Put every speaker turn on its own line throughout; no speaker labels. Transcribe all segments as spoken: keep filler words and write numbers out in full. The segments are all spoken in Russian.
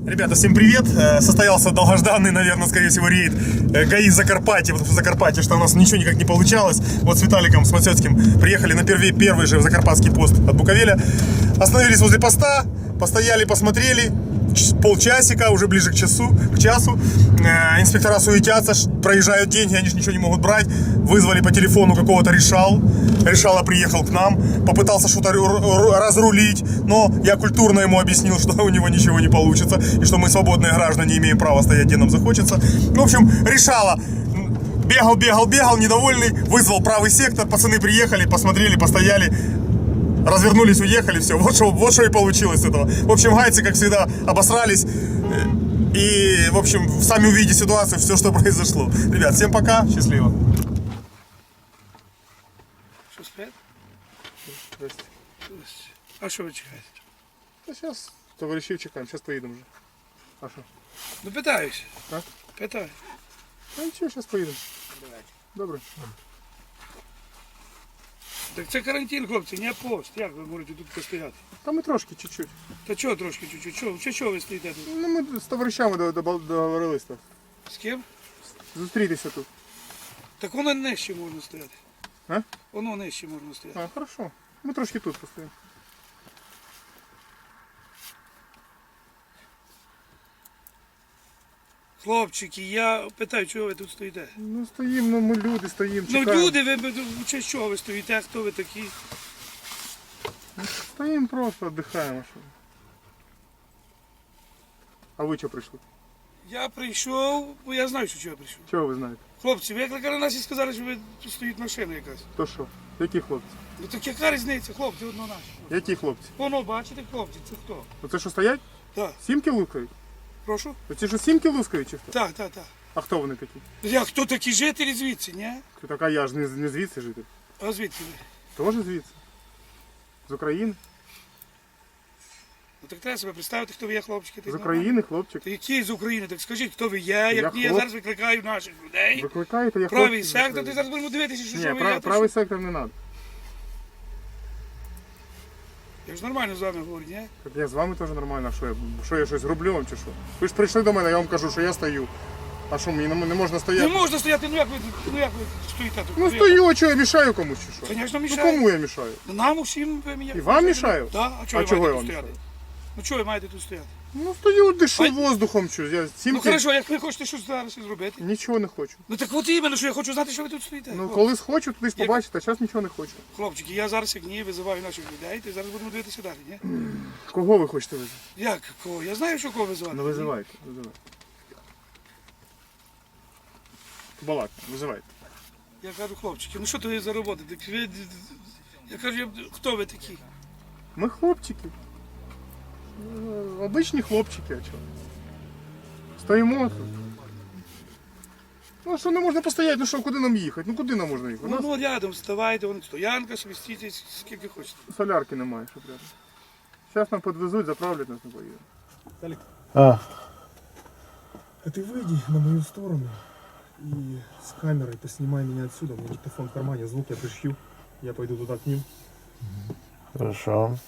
Ребята, всем привет! Состоялся долгожданный, наверное, скорее всего, рейд ГАИ Закарпатье. Вот в Закарпатье, что у нас ничего никак не получалось. Вот с Виталиком, с Мацёцким приехали на первый, первый же закарпатский пост от Буковеля. Остановились возле поста, постояли, посмотрели. Полчасика, уже ближе к часу, к часу. Инспектора суетятся, проезжают деньги, они же ничего не могут брать. Вызвали по телефону какого-то решал. Решала приехал к нам, попытался что-то разрулить, но я культурно ему объяснил, что у него ничего не получится, и что мы, свободные граждане, имеем право стоять, где нам захочется. В общем, решала. Бегал, бегал, бегал, недовольный, вызвал правый сектор, пацаны приехали, посмотрели, постояли. Развернулись, уехали, все. Вот что, вот что и получилось с этого. В общем, гайцы, как всегда, обосрались. И, в общем, сами увидите ситуацию, все, что произошло. Ребят, всем пока, счастливо.
Что, спят?
Здрасте.
А що ви чекаєте?
Да сейчас товарищей чекаем, сейчас поедем уже. А что?
Ну питаюсь.
А?
Питаю.
Ну ничего, сейчас поедем. Добре.
Так це карантин, хлопці, не пост. Як ви можете тут постояти?
Там и трошки, чуть-чуть.
Та чого трошки чуть-чуть? Чого, чи чого ви стоїте тут?
Ну, ми з товаришами договорились так.
З ким?
Зустрітися тут.
Так воно нижче можна стояти.
А?
Воно нижче можна стояти.
А, хорошо. Ми трошки тут постоїмо.
Хлопчики, я питаю, чого ви тут стоїте?
Ну стоїмо, ну ми люди стоїмо,
Ну
чекаємо.
люди, ви чи чого ви стоїте, хто ви такі?
Стоїмо просто, віддихаємо. Що. А ви чого прийшли?
Я прийшов, бо я знаю, що чого я прийшов.
Чого ви знаєте?
Хлопці, ви викликали нас і сказали, що ви тут стоїть машина якась.
То що? Які хлопці?
Ну так яка різниця, хлопці, одно наші.
Які хлопці?
Воно, бачите, хлопці, це хто?
Оце що стоять?
Так.
Сімки лускають?
Прошу?
Оці що сімки лускають чи хто?
Так, так, так.
А хто вони такі?
Я хто такі жителі звідси, ні?
Така я ж не, не звідси житель.
А звідки ви?
Теж звідси. З України.
Ну так треба себе представити, хто ви є, хлопчики.
З України, хлопчик.
Та які з України? Так скажіть, хто ви є, як
Я
ні, я
хлоп-
зараз викликаю наших людей.
Викликаєте, я
Правий
хлопчик з
сектор,
України.
ти зараз будемо дивитися, що,
Ні,
що ви
прав,
є.
правий сектор не треба.
Я ж нормально з вами говорю, ні?
Так я з вами теж нормально, а що я, що я щось роблю вам чи що? Ви ж прийшли до мене, я вам кажу, що я стою. А що, мені не, не можна
Не
стояти?
можна стояти, ну як ви, ну як ви стоїте тут?
Ну
як?
стою, а що я мішаю комусь чи що?
Звісно,
Ну
мішає.
кому я мішаю?
Нам усім ви мені.
І вам мішаю?
Так, а чого
А
ви
чого
маєте
я
тут
вам
стояти?
мішаю?
Ну чого ви маєте тут стояти?
Ну стою, дишу
Ай.
воздухом щось. Я
Ну
сімки
хорошо, як ви хочете щось зараз зробити?
нічого не хочу.
Ну так от іменно, що я хочу знати, що ви тут стоїте.
Ну
хлопці.
коли схочу, тоді ж
Як-
побачите, а зараз нічого не хочу.
Хлопчики, я зараз як ні, визиваю наших людей, то зараз будемо дивитися далі, ні?
Кого ви хочете визивати?
Як кого? Я знаю, що кого визивати.
Ну визивайте, визивайте. Балак, визивайте.
Я кажу, хлопчики, ну що то є за робота? Так ви... Я кажу, я- хто ви такі?
Ми хлопчики. Е, Обичні хлопчики, а чого? Стоїмо тут. Ну а що не можна постояти? Ну що, куди нам їхати? Ну куди нам можна їхати? У
Ну,
нас
ну рядом вставайте, вон стоянка, собі стійте, скільки хочете.
солярки немає, щоб рядом. Зараз нам підвезуть, заправлять нас, не поїдемо.
Талик,
А,
а ты выйди на мою сторону и с камерой поснимай меня отсюда. У меня диктофон в кармане, звук я пришью. Я пойду туда к ним.
хорошо.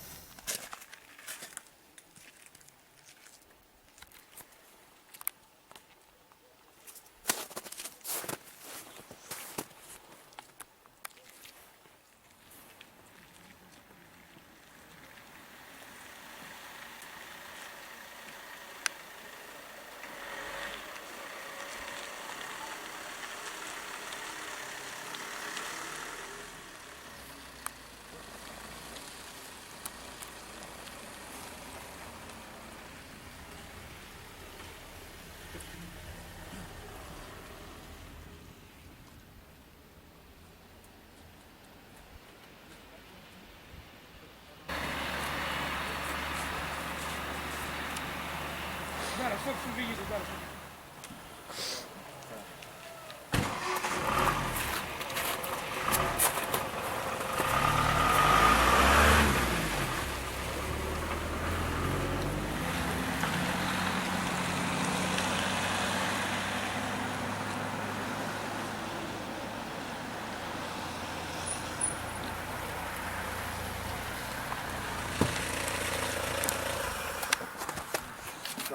Зараз, хлопці, виїду, зараз.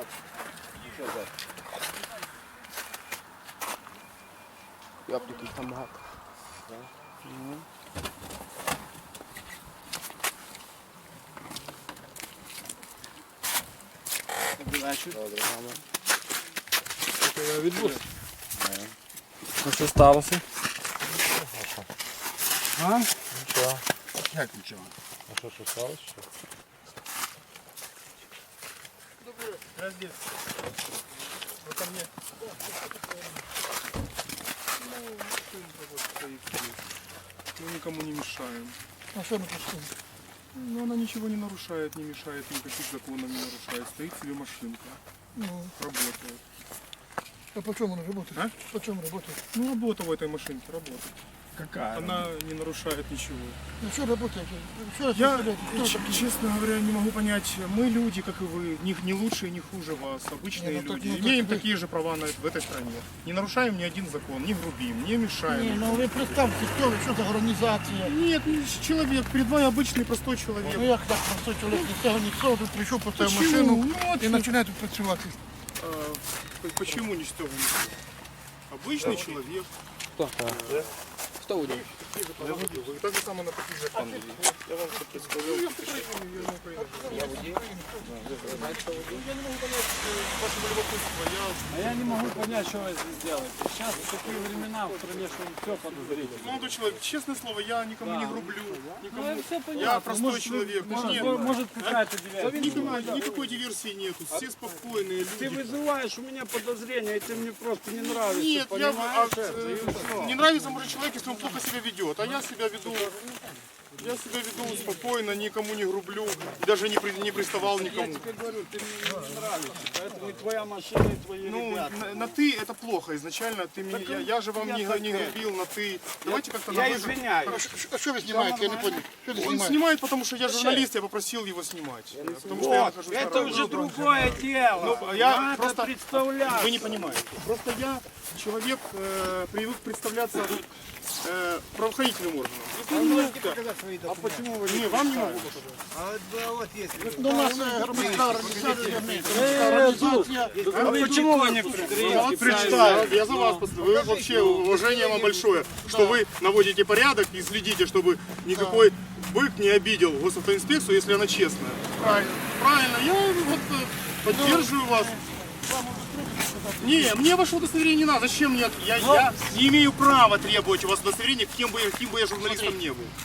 Яблуків там багато.
Ну що сталося?
А?
Нічого.
Як нічого?
А що, що сталося? Що?
Вот ко мне. Мы никому не мешаем.
А що ми пустимо?
Ну, она ничего не нарушает, не мешает, никаких законов не нарушает. Стоит себе машинка,
Ну,
работает.
а по чому вона працює?
А?
По чому працює?
Ну, работа в этой машинке, работает.
Какая?
Она не нарушает ничего.
Ну що працює? Що
Я,
це? Хто
ч-
такий?
честно говоря, не могу понять, мы люди, как и вы, не, не лучше и не хуже вас, обычные
Не, ну так-
люди,
ну так
имеем
вы-
такие же права на, в этой стране. Не нарушаем ни один закон, не грубим, не мешаем.
Ні, ну ви представте, хто ви, що за організація?
Нет, ну, человек, перед вами обычный простой человек.
Ну як так простой чоловік, ні з цього, ні з цього, тут прийшов, поставив
Почему?
машину
Ну, вот
і починає тут працювати.
А, п- почему не с того не с того? Обычный человек.
Хто? Хто водій?
Я водил. Вы так же самое на таких же пан водил. Я вам что представлял.
Я водій.
Я не могу понять э, вашего любопытства. Я...
А я не могу понять, что вы здесь делаете. Сейчас такие времена в стране, что все подозрительно.
Молодой человек, честное слово, я никому не грублю.
Ну,
Никому.
это все понятно.
Я простой
Может,
человек.
Может,
Нет.
может какая-то диверсия.
Никакой, никакой диверсии нету. Все спокойные
Ты
люди.
вызываешь у меня подозрения, и ты мне просто не нравишься.
Нет, я а,
понимаешь это? И
э,
всё.
не нравится может человек, если он плохо себя ведет. А я себя веду. Я себя веду спокойно, никому не грублю, и даже не, при- не приставал
Я
никому.
тебе говорю, ты мне не нравишься. Поэтому и твоя машина, и твои
Ну,
ребята.
на, на ты это плохо изначально. Ты мне, я, я же вам
я
не,
так
не
это.
грубил на ты. Давайте как-то
Я
на вы.
извиняюсь.
А що ви знімаєте? Я не понял. Що ти
Он
знімаєш?
снимает, потому что я журналист, я попросил его снимать. Потому что я
Вот,
нахожусь на
это
работе.
уже другое дело.
Ну, я
Надо
просто-
представлять.
Вы не понимаете. Просто я человек, э, привык представляться э, правоохранительным органам.
А почему вы
Не, вам не могу.
До нас е, громадська організація, організація.
А почему вы не
Я
предприняли?
вот представил, я за вас поставил. Вы вообще уважение вам большое, что вы наводите порядок и следите, чтобы никакой бык не обидел госавтоинспекцию, если она честная. Правильно. Правильно. Я вот э, поддерживаю вас. Не, мне ваше удостоверение не надо. Зачем мне? Я, я не имею права требовать у вас удостоверения, кем бы, я- каким бы я журналистом не был.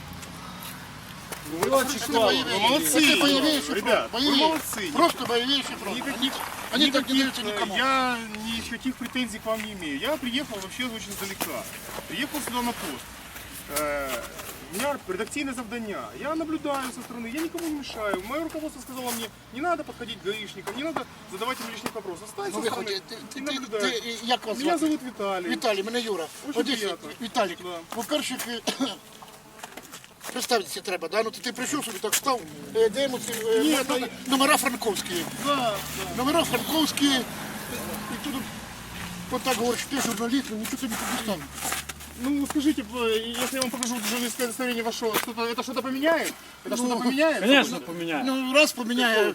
Вы молодцы,
Боевейший
ребят,
фронт.
вы
Боевей.
молодцы.
Просто боевейший фронт.
Никаких,
Они так не
никаких,
даются
э,
никому.
Я никаких претензий к вам не имею. Я приехал вообще очень издалека. Приехал сюда на пост. Э, У меня редакционное завдання. Я наблюдаю со стороны, я никому не мешаю. Мое руководство сказало мне, не надо подходить к гаишникам, не надо задавать им лишних вопросов. Стань
Ну
со
ви
стороны
хоч, ти,
и
ти, ти,
наблюдай.
ти, як вас
Меня
звати?
зовут Виталий.
Віталій, мене Юра.
Очень
От якщо-
приємно.
Віталік,
Да.
по-перше, ти- представитися треба, да? Ну ти, ти прийшов собі, так став, е, де йому ці, е,
Ні,
но- но- номера франковські.
Да,
Номера франковські, і тут от так говориш, ти журналіст, ну нічого тобі тут не стане.
ну скажите, э, если я вам покажу журналистское удостоверение ваше, что-то, это что-то поменяет? Это что-то
Ну,
поменяет?
Конечно, поменяй.
Ну раз поміняє,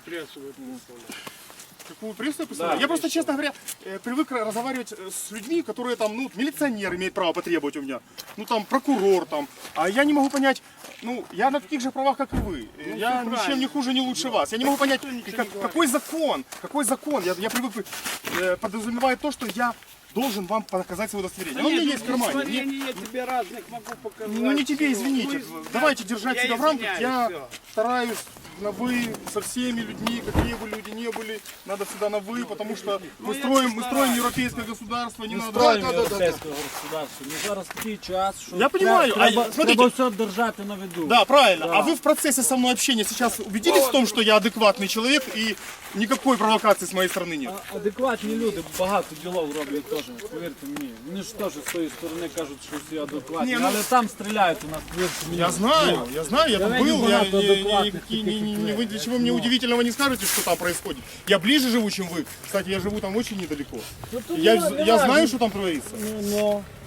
Какую прессу я представляю? Я просто, честно говоря, э, привык разговаривать э, с людьми, которые там, ну, милиционер имеет право потребовать у меня, ну, там, прокурор там, а я не могу понять, ну, я на таких же правах, как и вы, Э, я ничем не хуже, не лучше вас, я не могу понять, как- какой закон, какой закон, я, я привык, э, подразумевает то, что я должен вам показать свое удостоверение. Оно у меня есть в кармане. Мне-
Удостоверение я тебе разных могу показать.
Ну не тебе,
Всё.
извините.
Вы-
Давайте держать
Я
себя в рамках.
извиняюсь,
Я
всё.
стараюсь на вы со всеми людьми, какие бы люди ни были, надо всегда на вы, потому что мы
Ну, я
строим, мы
постараюсь.
строим европейское государство, не
Ми
надо.
строїмо
Да, да, да, да.
європейське государство. Ну зараз такий час, що
Я понимаю,
треба,
а
треба,
смотрите.
треба все держати на виду.
Да, правильно.
Да.
А вы в процессе со мной общения сейчас убедились в том, что я адекватный человек и никакой провокации с моей стороны нет?
А- Адекватні люди багато ділов роблять теж, повірте мені. Вони ж теж з тої сторони кажуть, що всі адекватні,
Ні, ну-
але там стріляють у нас, повірте мені.
Я знаю, я знаю, я там
Давайте
был, я,
багато
не, не,
адекватних
никакие-
таких,
не- не-
як
не-
ви.
вы для чего мне удивительного не скажете, что там происходит. Я ближе живу, чем вы. Кстати, я живу там очень недалеко.
Ну, то
Я,
не- не
я
важно.
знаю, что там творится.
Ну, ну,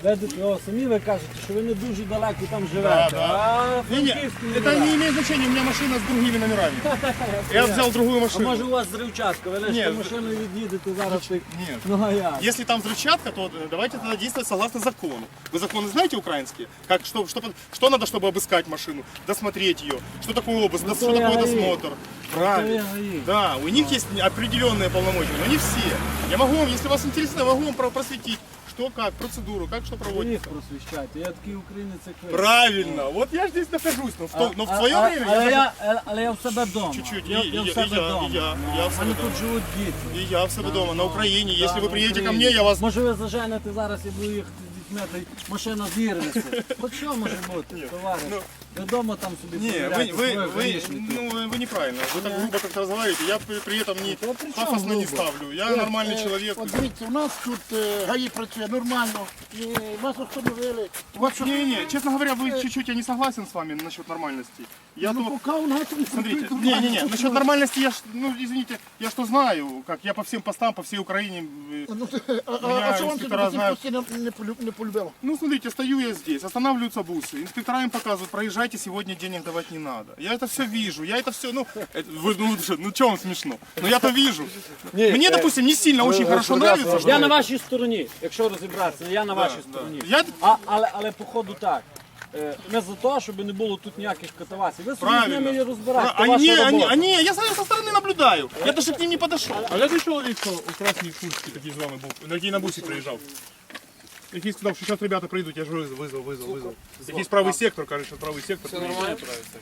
Видите, о, самі ви кажете, що ви не дуже далеко там живете.
Да, да.
А
Не-не,
Франківську не
это
далеко.
не имеет значения, у меня машина с другими номерами. Я взял другую
А
машину.
може у вас зривчатка, ви
Ні,
лише
з-
машиною від'їдете зараз. так-
Нет.
Ну а як?
Если там взрывчатка, то э, давайте тогда действовать согласно закону. Вы законы знаете украинские? Как, что, что, что надо, чтобы обыскать машину, досмотреть ее, что такое обыск,
Ну,
что
то я
такое
гаи.
досмотр.
То
Правильно.
я гаи.
Да, у них есть определенные полномочия, но не все. Я могу вам, если вас интересно, я могу вам про- просветить, что как, процедуру, как что
Ви
проводится.
їх просвіщайте, я такий українець, як ви.
Правильно, вот я здесь нахожусь, но в, то, но в
А-
свое
а-
время
але
я,
я, е, але я в себе вдома.
Чуть-чуть,
Я,
і-
я
і-
в
і
себе
я-
вдома.
і я-
Ну,
я
а
в
в
себе
мене
вдома.
тут живуть діти.
и я в себе дома, на Украине. Если
Да,
вы
на
приедете ко
Україні.
мне, я вас...
Може ви заженете зараз і буду їхати з дітьми, та й машина зірветься. Хоч що може бути, товариш?
ну,
Ви вдома там собі
Не, вы,
перевіряйте
вы,
свої
вы,
грішники.
ну, вы вы неправильно. Вы так грубо как-то разговариваете. Я при, при этом не
Да при чём
пафосно не
грубо?
ставлю. Я нормальный человек.
От дивіться, у нас тут е, ГАІ працює нормально, і вас встановили. У вас що-
Не, не, честно говоря, вы чуть-чуть, я не согласен с вами насчет нормальности. Я
Ну,
то...
поки у нас не
Смотрите,
працює
не, не, не,
нормально.
насчет нормальности я, ж, ну, извините, я что знаю, как я по всем постам, по всей Украине. э,
Ну, ти- а, а,
Меня
а що вам
інспектора
це
знають.
постійно не, полю- не полюбило?
Ну, смотрите, стою я здесь, останавливаются бусы, инспектора им показывают, проезжайте, сегодня денег давать не надо. Я это все вижу, я это все, ну, это, вы, ну, что, ну, что вам смешно? Ну, я-то вижу. Мне, допустим, не сильно очень хорошо нравится, что...
Я на вашій стороні, якщо розібратися, я на вашій стороні.
Я,
А, але, але походу так. Е, Ми за те, щоб не було тут ніяких катавасій. Ви собі з ними і
правильно.
розбирайте.
А
це ваша
не, они,
робота.
они, я со со стороны наблюдаю. Я даже к ним не подошел. А я человек, кто у красной куртки такие с вами был, на на бусе приезжал. Який сказав, що зараз ребята прийдуть, я ж визвав, визвав, визвав, визвав. Якийсь правий сектор, каже, що правий сектор. Все нормально?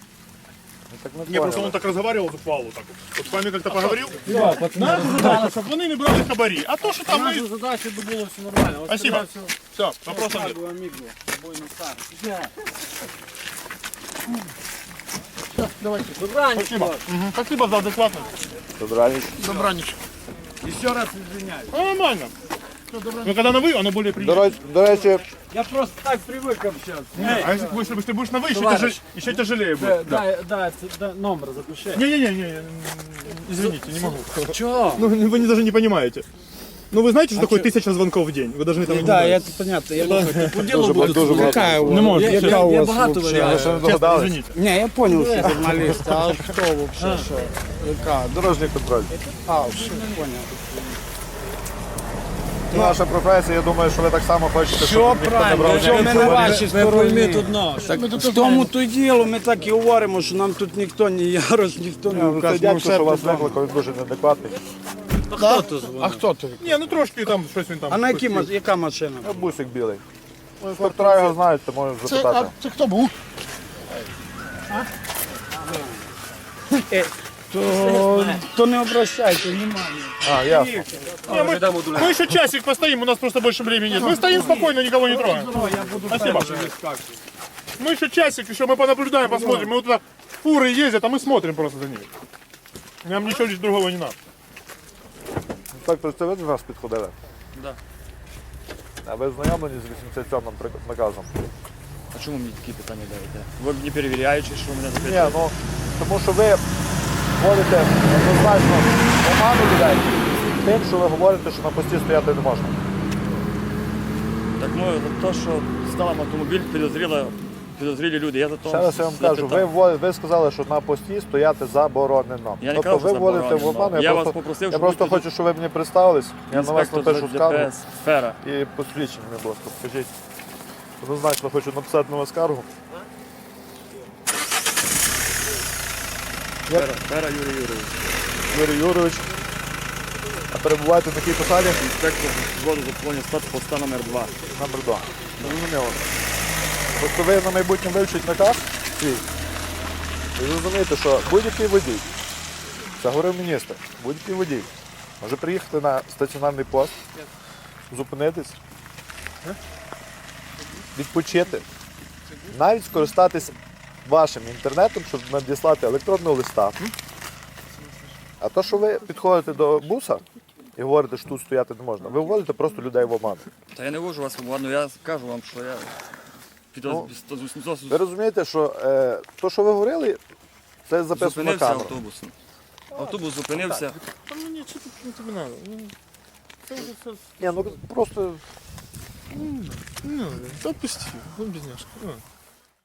Так не
Не, просто он так разговаривал с Павлу так. Вот с вами как-то поговорил. Наша задача, щоб вони не брали хабарі. А то, що там
Наша
ми...
задача, щоб було все нормально. Ось
Спасибо.
тебе все.
Все, вопросов нет.
Шагу, аміго, тобою не старий.
Давайте.
Добраніч,
Спасибо.
хлопці.
Мгм. Спасибо за адекватность.
Добраніч.
Добраніч.
І ще раз извиняюсь.
Ну, нормально. Но когда на вы, оно более
До
приятно.
речі, до речі,
Я просто так привик общатися.
А если, если, если ты будешь на вы, еще,
Товарищ.
тяжелее, еще тяжелее
Дай,
будет. Да.
дай, дай, це- дай номер запиши.
Не-не-не, извините, не могу.
Чого?
Ну, вы не, даже не понимаете. Ну, вы знаете, что такое тысяча звонков в день? Вы должны там...
Да, я тут понятно, я слухайте, по ділу
дуже,
буду.
дуже багато.
Не можете.
Я,
честно,
я, я багато
Ви
варіантів.
ще не
честно,
догадались?
извините.
Не, я понял, что журналист, а кто вообще, что? Яка?
Дорожній контроль.
А, все, понял.
Наша професія, я думаю, що ви так само хочете,
Все
щоб ніхто не
правильно,
брав
що ми на вашій
Ви пойміть
стороні.
одно, що
Так, в тому то й діло, ми так і говоримо, що нам тут ніхто, ні Ярош, ніхто не
Ну, Це
вказ.
дядько, що вас викликав, він дуже неадекватний.
хто то дзвонить?
А хто ти?
Не, ну трошки там щось він там.
А на якій, ма- яка машина?
А бусик білий. Інспектора його знають, то можеш
Це,
запитати.
а, це хто був?
То, то не обращайте внимання.
А, ясно.
Не, мы, мы еще часик постоим, у нас просто больше времени нет. Мы стоим спокойно, никого не трогаем. Спасибо. Мы еще часик, еще мы понаблюдаем, посмотрим. Мы вот туда фуры ездят, а мы смотрим просто за ними. Нам ничего здесь другого не надо.
Інспектор, це ви до нас підходили?
Да.
А ви знайомлені з вісімдесят сьомим прик- наказом?
А чому мені такі питання даєте? Ви не перевіряючи, що мене
Ні,
запитуєте?
ну, тому що ви вводите однозначно оману людей тим, що ви говорите, що на пості стояти не можна.
Так ну, за те, що став автомобіль, підозріли, підозрілі люди. Я за то
Ще раз я вам кажу, ви, вводите- ви сказали, що на пості стояти заборонено.
Я не
тобто
казав, що
ви вводите в
заборонено.
оману, я,
Я вас
просто,
попросив,
я
щоб
просто
ви
хочу, щоб ви мені представились, я на вас
інспектор
напишу
з
скаргу
ДПС сфера.
і посвідчення, будь ласка, покажіть. Однозначно хочу написати на вас скаргу.
Сфера, сфера Юрій Юрійович.
Юрій Юрович, а перебуваєте на якій посаді?
Інспектор взводу заповнення спецпоста номер два.
Номер два. Зрозуміло. Тобто ви на майбутнє вивчить наказ свій. І зрозумієте, що будь-який водій, це говорив міністр, будь-який водій може приїхати на стаціонарний пост, зупинитись, відпочити, навіть скористатись вашим інтернетом, щоб надіслати електронного листа. А то, що ви підходите до буса і говорите, що тут стояти не можна, ви вводите просто людей в оману.
Та я не вожу вас в оману, я кажу вам, що я
Ну,
підоз...
Ви розумієте, що е, то, що ви говорили, це записано на
зупинився
камеру.
автобусом. Автобус зупинився.
Там, ну, нет, что тут тебе надо? Ну, это уже всё-
Ні, ну просто
Ну, отпусти, он бедняжка.